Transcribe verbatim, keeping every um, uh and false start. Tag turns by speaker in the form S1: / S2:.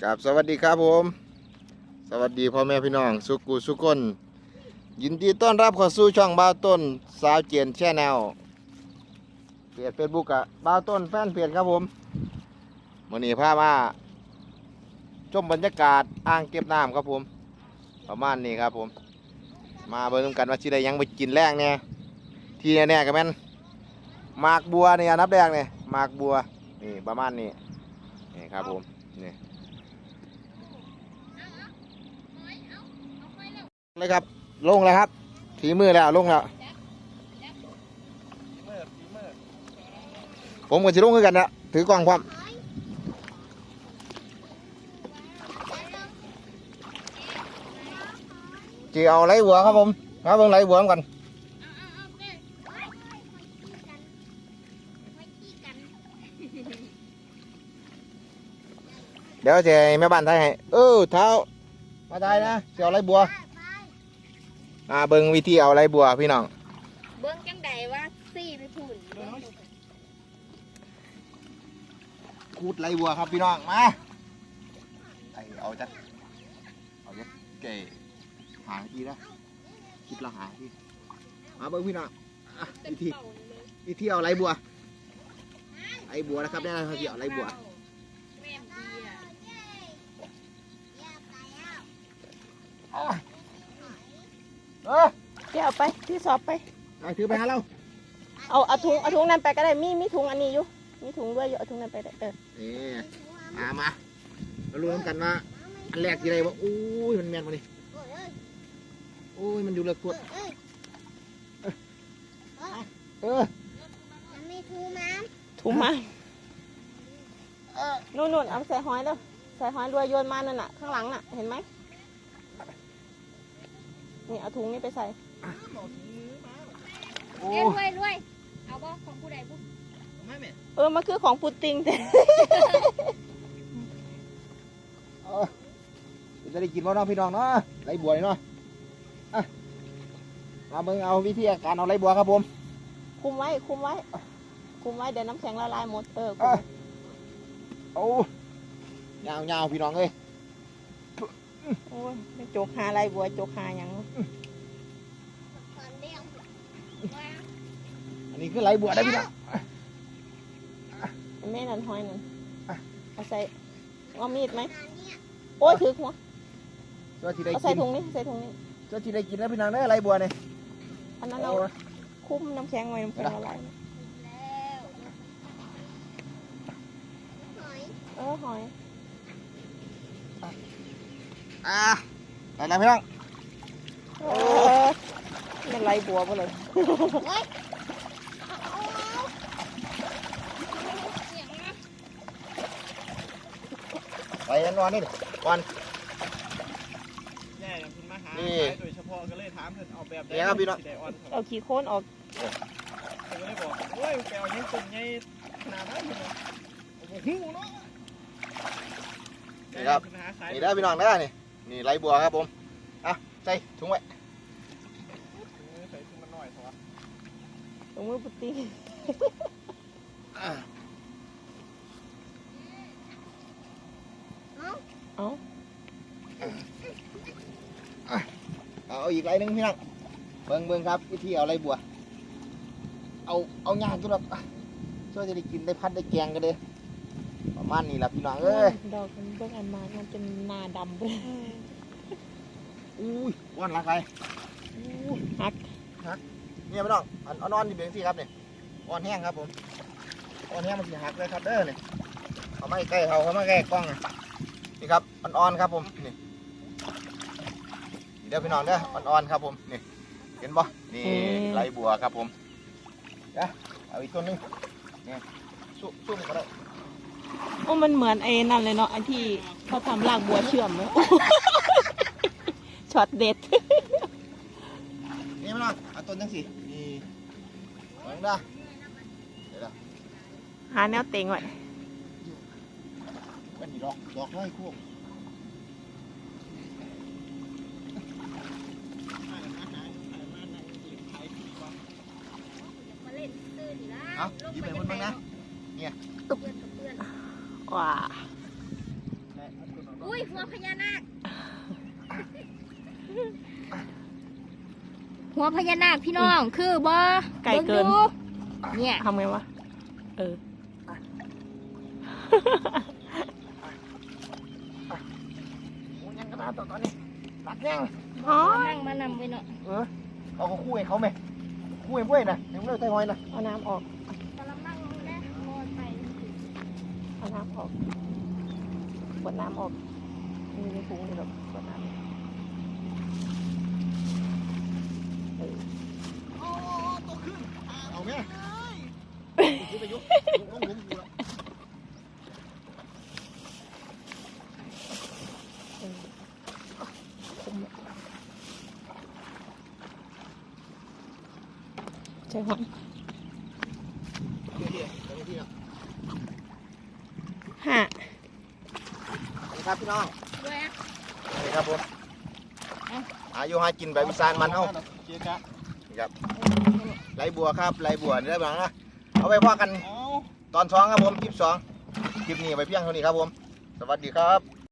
S1: ครับสวัสดีครับผมสวัสดีพ่อแม่พี่น้องสุกุสุกนยินดีต้อนรับเข้าสู่ช่องบ่าวต้นสาวเจียนแชนแนลเพจเฟซบุ๊กอะบ่าวต้นแฟนเพจครับผมวันนี้พามาชมบรรยากาศอ่างเก็บน้ำครับผมประมาณนี้ครับผมมาเบิ่งกันว่าสิได้ยังไปกินแรงเนี่ยที่แน่ๆกันแม่นหมากบัวเนี่ยนับแรกเนี่ยหมากบัวนี่ประมาณนี้นี่ครับผมนี่เลยครับลงแล้วครับถีมือแล้วลงแล้วผมกับสิลงด้วยกันนะถือกล้องความจีเอาไหลบัวครับผมครับเบิ่งไหลบัวกันเดี๋ยวจะแม่บ้านไทยให้เออเท้ามาไทยนะจะเอาไหลบัวอ่าเบิ่งวิธีเอาไหลบัวพี่น้อง
S2: เบิ่งจังใดว่าซี่ไปพุ่น
S1: คูดไหลบัวครับพี่น้องมาไอเอาจัดเอาจัดเก๋หาทีนะคิดละหาทีมาเบิ่งพี่น้องวิธีวิธีเอาไหลบัวไหลบัวนะครับนี่นะครับที่เอาไหลบัวเออ
S2: เดี๋ยวเอาไปที่สอบไป
S1: เอาถือไปหาเรา
S2: เอาเอาถุงเอาถุงนั้นไปก็ได้มีมีถุงอันนี้อยู่มีถุงด้วยอยู่เอาถุงนั้นไปได้เออ
S1: นี่มามามารู้กันว่าอันแรกที่ไรว่าอุ้ยมันแมนมาดิอุ้ยมันอยู่เลือกกดเออ
S2: มีถุงมาถุงมานู่นนู่นเอาใส่หอยแล้วใส่หอยรวยโยนมานั่นน่ะข้างหลังน่ะเห็นไหมนี่เอาถุงนี้ไปใส่
S1: โอ้
S2: รวยรวยเอาบ่ของผู้ใดผู้เออมันคือของปูติงแต่
S1: เออจะได้กินบ่เนาะพี่น้องเนาะไหลบัวเนาะมาเบิ่งเอาวิธีการเอาไหลบัวครับผม
S2: คุมไว้คุมไว้คุมไว้เดี๋ยวน้ำแข็งละลายหมดเออ
S1: โอ้ยาวยาวพี่น้องเลย
S2: โอ้ยโจกหาอะไรบัวโจกหาอย่าง
S1: อันนี้คือไหลบัวได้พี่น้อง
S2: แม่นั่นหอยนั่นเอาใส่เอามีดไหมโอ้ยถือหัวเอาใส่ถุงนี้ใส่ถุงนี้
S1: เจ้าที่ได้กินแล้วพี่น้องได้ไหลบัวเนี่ย
S2: อันนั้นเอาคุ้มน้ำแข็งไว้น้ำแข็งละลายเออหอย
S1: อ่าไปแล้วพี่น้อง
S2: โอ้เป็นไรบัวไปเลย
S1: ไปนอนนี่วัน
S3: นี่โดยเฉพาะก็เลยถามเพิ่นเอาแบบ
S1: ได้ครับพี่น้อง
S2: เอาขี้โคนออก
S3: เพิ่นก็เลยบอกโอ้ยแปลว่ายังต้นใหญ่ขนาดนั้นเลยโอ้โหเนาะ
S1: นี่ครับนี่ได้พี่น้องได้นี่นี่ไหลบัวครับผมอ่ะใส่ถุงไว้
S3: ใส่ถุงมันหน่อยเถอะ
S2: ถุงมือปุติเอา
S1: เอาอีกไหลนึงพี่น้องเบิ่งเบิ่งครับวิธีเอาไหลบัวเอาเอางานตัวแบบช่วยจะได้กินได้พัดได้แกงกันเลยประมาณนี้แหละพี่น้องเอ้ย
S2: ดอกมันเบิ่งอันมามันเป็นนาดำเลย
S1: อุ้ยวันละใคร
S2: ฮัก
S1: ฮักเนี่ยพี่น้องอันนอนอยู่เบียงที่ครับเนี่ยอ่อนแห้งครับผมอ่อนแห้งมันสีหักเลยครับเด้อเนี่ยเขาไม่ใกล้เขาเขาไม่ใกล้กล้องนี่ครับอ่อนๆครับผมนี่เดี๋ยวพี่น้องเด้ออ่อนๆครับผมนี่เห็นบ่นี่ไหลบัวครับผมเดี๋ยวเอาอีกตัวนึงเนี่ยซุ่มซุ่มก็ได้
S2: โอ้มันเหมือนไอ้นั่นเลยเนาะไอ้ที่เขาทำรากบัวเชื่อมเลยช็อตเด็ด
S1: นี่พี่น้องเอาต้นจังสินี่เบิ่งได้เดี๋ยว
S2: หาแนวเต็งไว้
S1: เป็นดอกดอกไม้คู่เอายิ้มไปบนบ้างนะเนี่ย
S2: ว้า
S4: อุ้ยหัวพญานาคหัวพญานาคพี่น้องคือบ่
S2: ไก่เกิน
S4: บิ่งดูเนี่ย
S2: ทำไงวะเออ
S1: โอ้ยังกระดาษตอนนี้รักยัง
S2: อ๋อ
S4: นั่งมานำไว้เนาะ
S1: เออเขาก็คู่ให้เขาไหมคู่ให้เพื่อนนะยังไม่ได้ใจหอยนะ
S2: เอาน้ำออก
S4: กำลังนั่งแม่โอนไป
S2: เอาน้ำออกกดน้ำออกมีในถุงนี่หรอกกดน้ำเออ
S1: โอ้โตขึ้นเอาไหมขึ้นไปยุกลงหลุมอยู่แล้ว
S2: เออคุมใช่หอย
S1: เดี๋ยวเดี๋ยวเดี๋ยวเดี๋ยว
S2: ห้า
S1: สวัสดีครับพี่น้อง
S4: ด้วยอะ
S1: สวัสดีครับผมอายุหากินแบบวิสานมันเฮา
S3: เจ๊กะ
S1: นี่ครับไรบัวครับไรบัวนี่ได้บ้างนะเอาไปพ่อกัน
S3: เอา
S1: ตอนสองครับผมคลิปสองคลิปนี้ไปเพียงเท่านี้ครับผม สวัสดีครับ